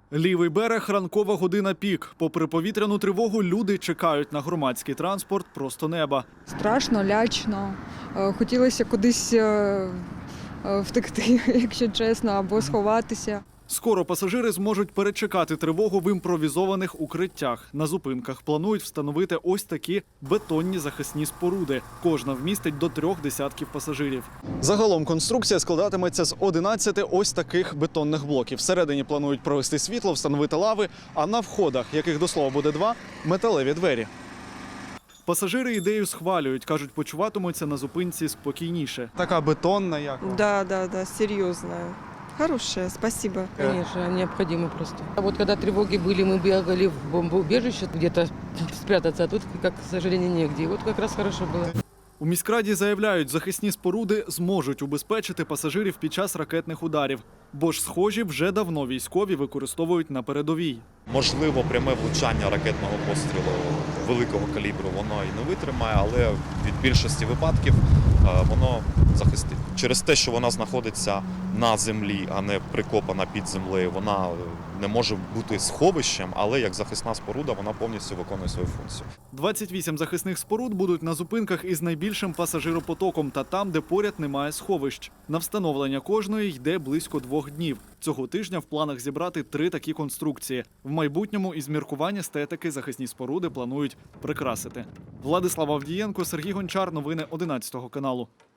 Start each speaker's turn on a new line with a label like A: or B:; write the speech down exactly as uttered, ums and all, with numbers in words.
A: Лівий берег, ранкова година пік. Попри повітряну тривогу, люди чекають на громадський транспорт просто неба.
B: Страшно, лячно. Е, Хотілося кудись е, е, втекти, якщо чесно, або сховатися.
A: Скоро пасажири зможуть перечекати тривогу в імпровізованих укриттях. На зупинках планують встановити ось такі бетонні захисні споруди. Кожна вмістить до трьох десятків пасажирів. Загалом конструкція складатиметься з одинадцяти ось таких бетонних блоків. Всередині планують провести світло, встановити лави, а на входах, яких до слова буде два, металеві двері. Пасажири ідею схвалюють, кажуть, почуватимуться на зупинці спокійніше. Така бетонна як?
C: Да, да, да, серьезная. Хорошая, спасибо.
D: Конечно, необходимо просто. А вот когда тревоги были, мы бегали в бомбоубежище где-то спрятаться, а тут, как, к сожалению, негде. И вот как раз хорошо было.
A: У міськраді заявляють, захисні споруди зможуть убезпечити пасажирів під час ракетних ударів. Бо ж схожі вже давно військові використовують на передовій.
E: Можливо, пряме влучання ракетного пострілу великого калібру воно і не витримає, але від більшості випадків е, воно захистить. Через те, що вона знаходиться на землі, а не прикопана під землею, вона не може бути сховищем, але як захисна споруда вона повністю виконує свою функцію.
A: двадцять вісім захисних споруд будуть на зупинках із найбільшим пасажиропотоком та там, де поряд немає сховищ. На встановлення кожної йде близько двох днів. Цього тижня в планах зібрати три такі конструкції. В майбутньому із міркувань естетики захисні споруди планують прикрасити. Владислав Авдієнко, Сергій Гончар. Новини одинадцятого каналу.